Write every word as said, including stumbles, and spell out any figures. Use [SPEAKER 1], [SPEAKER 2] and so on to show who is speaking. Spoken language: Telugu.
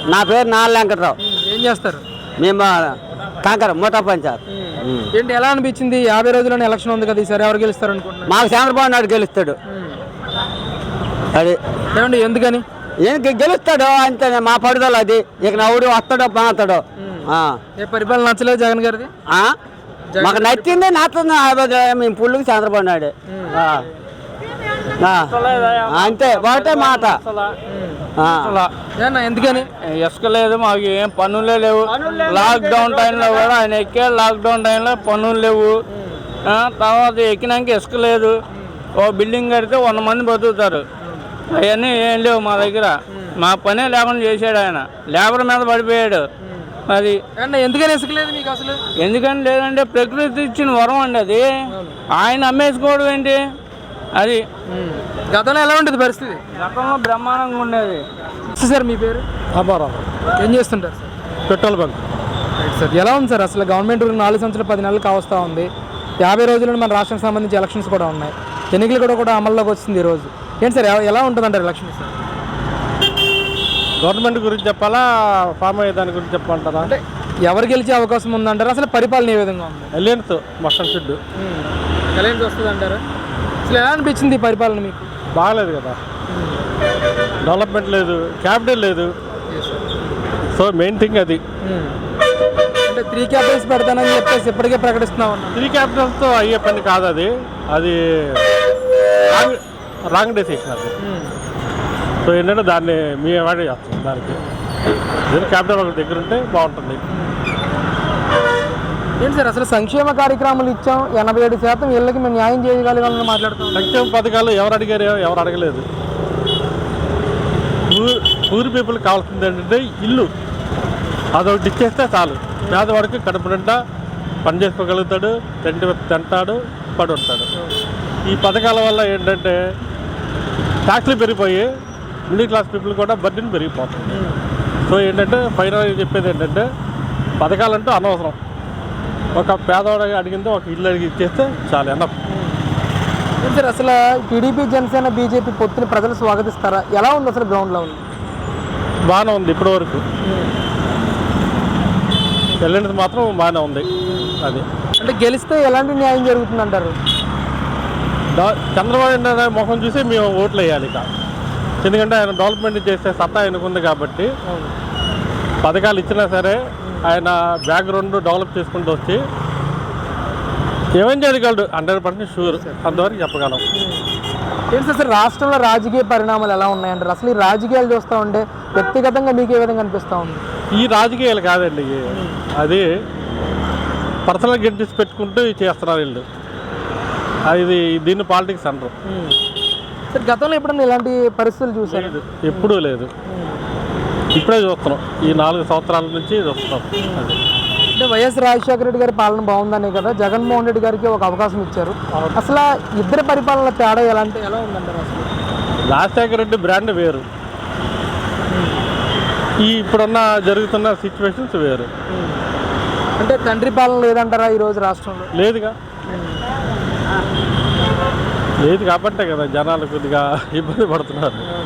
[SPEAKER 1] నా పేరు నాల్ వెంకట్రావు.
[SPEAKER 2] ఏం చేస్తారు?
[SPEAKER 1] మేము కాంకర మూతా పంచాయత్.
[SPEAKER 2] ఏంటి ఎలా అనిపించింది? యాభై రోజుల్లోనే ఎలక్షన్ ఉంది కదా, ఈసారి ఎవరు గెలుస్తారు అనుకుంటున్నారు?
[SPEAKER 1] మాకు చంద్రబాబు నాయుడు గెలుస్తాడు. అది
[SPEAKER 2] ఏమండి ఎందుకని?
[SPEAKER 1] ఏం గెలుస్తాడు అంతే, మా పడుదల అది. ఇక నవ్వుడు వస్తాడో బాగుతాడో.
[SPEAKER 2] ఏ పరిపాలన నచ్చలేదు జగన్ గారిది?
[SPEAKER 1] మాకు నచ్చింది నచ్చింది మేము పుల్లుకి చంద్రబాబు నాయుడు అంతే ఒకటే మాట.
[SPEAKER 2] ఎందుకని?
[SPEAKER 3] ఇసుక లేదు, మాకు ఏం పన్నులే లేవు. లాక్డౌన్ టైంలో కూడా ఆయన ఎక్కే లాక్డౌన్ టైంలో పన్నులు లేవు. తర్వాత ఎక్కినాక ఇసుక లేదు. ఓ బిల్డింగ్ కడితే వంద మంది బతుకుతారు. అవన్నీ ఏం లేవు మా దగ్గర. మా పనే లేకుండా చేశాడు ఆయన, లేబర్ మీద పడిపోయాడు. అది
[SPEAKER 2] ఎందుకని ఇసుక లేదు మీకు అసలు?
[SPEAKER 3] ఎందుకని లేదంటే ప్రకృతి ఇచ్చిన వరం అండి అది. ఆయన అమ్మేసుకోవడం ఏంటి అది.
[SPEAKER 2] గతంలో ఎలా ఉంటుంది పరిస్థితి?
[SPEAKER 3] గతంలో బ్రహ్మాండంగా ఉండేది.
[SPEAKER 2] సార్ మీ పేరు?
[SPEAKER 4] అబ్బారావు.
[SPEAKER 2] ఏం చేస్తుంటారు సార్?
[SPEAKER 4] Petrol bunk.
[SPEAKER 2] సార్ ఎలా ఉంది సార్ అసలు? గవర్నమెంట్ నాలుగు సంవత్సరాలు పది నెలలు కావస్తూ ఉంది. యాభై రోజుల్లో మన రాష్ట్రానికి సంబంధించి ఎలక్షన్స్ కూడా ఉన్నాయి. ఎన్నికలు కూడా కూడా అమల్లోకి వస్తుంది ఈరోజు. ఏంటి సార్ ఎలా ఉంటుంది అంటారు ఎలక్షన్? సార్
[SPEAKER 4] గవర్నమెంట్ గురించి చెప్పాలా, ఫామ్ అయ్యే దాని గురించి చెప్పమంటారా?
[SPEAKER 2] అంటే ఎవరు గెలిచే అవకాశం ఉందంటారు? అసలు పరిపాలన ఏ విధంగా ఉంది?
[SPEAKER 4] ఎలియన్స్ మస్టన్ షెడ్
[SPEAKER 2] ఎలయన్స్ వస్తుంది అంటారా? అసలు ఎలా అనిపించింది ఈ పరిపాలన మీకు?
[SPEAKER 4] బాగలేదు కదా, డెవలప్మెంట్ లేదు, క్యాపిటల్ లేదు. సో మెయిన్ థింగ్ అది.
[SPEAKER 2] అంటే త్రీ క్యాపిటల్స్ పెడతానని చెప్పేసి ఇప్పటికే ప్రకటిస్తున్నాం.
[SPEAKER 4] త్రీ క్యాపిటల్స్తో అయ్యే పని కాదు అది. అది రాంగ్ రాంగ్ డెసిషన్ అది. సో ఏంటంటే దాన్ని మీ అవాయిడ్ చేస్తాం. దానికి క్యాపిటల్ ఒక దగ్గర ఉంటే బాగుంటుంది.
[SPEAKER 2] ఏంటి సార్ అసలు సంక్షేమ కార్యక్రమాలు ఇచ్చాం, ఎనభై ఏడు శాతం ఇళ్ళకి మేము న్యాయం చేయగలిగామని మాట్లాడుతాం.
[SPEAKER 4] సంక్షేమ పథకాలు ఎవరు అడిగారు? ఎవరు అడగలేదు. పూర్ పీపుల్కి కావాల్సింది ఏంటంటే ఇల్లు, అదొకటి ఇచ్చేస్తే చాలు. పేదవాడికి కడుపు నిండా పని చేసుకోగలుగుతాడు, తిండి తింటాడు, పడి ఉంటాడు. ఈ పథకాల వల్ల ఏంటంటే ట్యాక్స్లు పెరిగిపోయి మిడిల్ క్లాస్ పీపుల్ కూడా బర్డెన్ పెరిగిపోతుంది. సో ఏంటంటే ఫైనల్గా చెప్పేది ఏంటంటే పథకాలంటూ అనవసరం. ఒక పేదవాడు అడిగింది ఒక ఇల్లు అడిగి ఇచ్చేస్తే చాలా ఎన్నో.
[SPEAKER 2] సార్ అసలు టీడీపీ జనసేన బీజేపీ పొత్తుని ప్రజలు స్వాగతిస్తారా? ఎలా ఉంది అసలు గ్రౌండ్లో ఉంది?
[SPEAKER 4] బాగానే ఉంది ఇప్పటి వరకు. వెళ్ళినది మాత్రం బాగానే ఉంది. అది
[SPEAKER 2] అంటే గెలిస్తే ఎలాంటి న్యాయం జరుగుతుంది అంటారు?
[SPEAKER 4] చంద్రబాబు నాయుడు ముఖం చూసి మేము ఓట్లు వేయాలి ఇక. ఎందుకంటే ఆయన డెవలప్మెంట్ చేసే సత్తా ఆయనకుంది కాబట్టి పథకాలు ఇచ్చినా సరే ఆయన బ్యాక్గ్రౌండ్ డెవలప్ చేసుకుంటూ వచ్చి ఏమేం చేయగలడు హండ్రెడ్ పర్సెంట్ షూర్. అంతవరకు చెప్పగలం.
[SPEAKER 2] ఏంటి సార్ రాష్ట్రంలో రాజకీయ పరిణామాలు ఎలా ఉన్నాయంటారు? అసలు ఈ రాజకీయాలు చూస్తూ ఉంటే వ్యక్తిగతంగా మీకు ఏ విధంగా అనిపిస్తూ ఉంది?
[SPEAKER 4] ఈ రాజకీయాలు కాదండి, అది పర్సనల్ గెడ్డిస్ పెట్టుకుంటూ చేస్తున్నారు వీళ్ళు. అది దీన్ని పాలిటిక్స్ అంటారు.
[SPEAKER 2] సార్ గతంలో ఎప్పుడన్నా ఇలాంటి పరిస్థితులు చూసారు?
[SPEAKER 4] ఎప్పుడూ లేదు, ఇప్పుడే చూస్తున్నాం. ఈ నాలుగు సంవత్సరాల నుంచి చూస్తున్నాం. అది
[SPEAKER 2] అంటే వైఎస్ రాజశేఖర రెడ్డి గారి పాలన బాగుందనే కదా జగన్మోహన్ రెడ్డి గారికి ఒక అవకాశం ఇచ్చారు. అసలు ఇద్దరు పరిపాలన తేడా ఎలాంటి ఎలా ఉందంటారు? అసలు
[SPEAKER 4] రాజశేఖర రెడ్డి బ్రాండ్ వేరు, ఈ ఇప్పుడున్న జరుగుతున్న సిచ్యువేషన్స్ వేరు.
[SPEAKER 2] అంటే తండ్రి పాలన లేదంటారా ఈరోజు రాష్ట్రంలో?
[SPEAKER 4] లేదుగా, లేదు కాబట్టే కదా జనాలు కొద్దిగా ఇబ్బంది పడుతున్నారు.